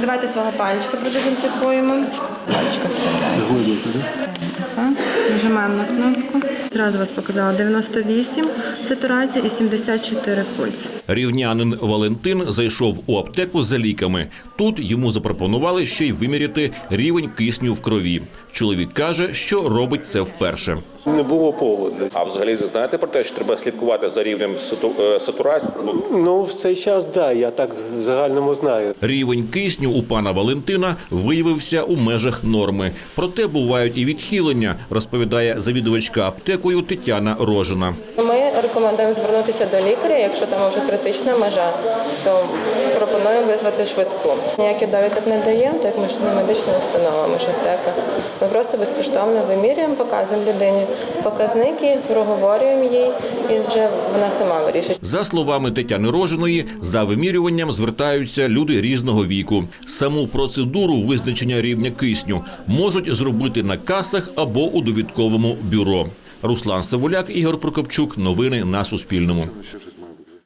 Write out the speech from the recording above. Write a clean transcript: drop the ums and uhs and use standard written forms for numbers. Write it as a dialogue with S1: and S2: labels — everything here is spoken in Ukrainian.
S1: Давайте свого пальчика продезінфікуємо. Пальчика вставляємо. Нажимаємо на кнопку. Одразу вас показала 98 сатурація і 74 пульс.
S2: Рівнянин Валентин зайшов у аптеку за ліками. Тут йому запропонували ще й виміряти рівень кисню в крові. Чоловік каже, що робить це вперше.
S3: Не було поводу.
S4: А взагалі ви знаєте про те, що треба слідкувати за рівнем сатурації?
S3: Ну, в цей час, да, я так в загальному знаю.
S2: Рівень кисню у пана Валентина виявився у межах норми. Проте бувають і відхилення, розповідає завідувачка аптекою Тетяна Рожина.
S5: Ми рекомендуємо звернутися до лікаря, якщо там вже критична межа, то пропонуємо визвати швидку. Ніяких довідок не даємо, так як ми ж не медична установа, ми ж аптека. Ми просто безкоштовно вимірюємо, показуємо людині показники, проговорюємо їй і вже вона сама вирішить.
S2: За словами Тетяни Рожиної, за вимірюванням звертаються люди різного віку. Саму процедуру визначення рівня кисню можуть зробити на касах або у довідковому бюро. Руслан Савуляк, Ігор Прокопчук. Новини на Суспільному.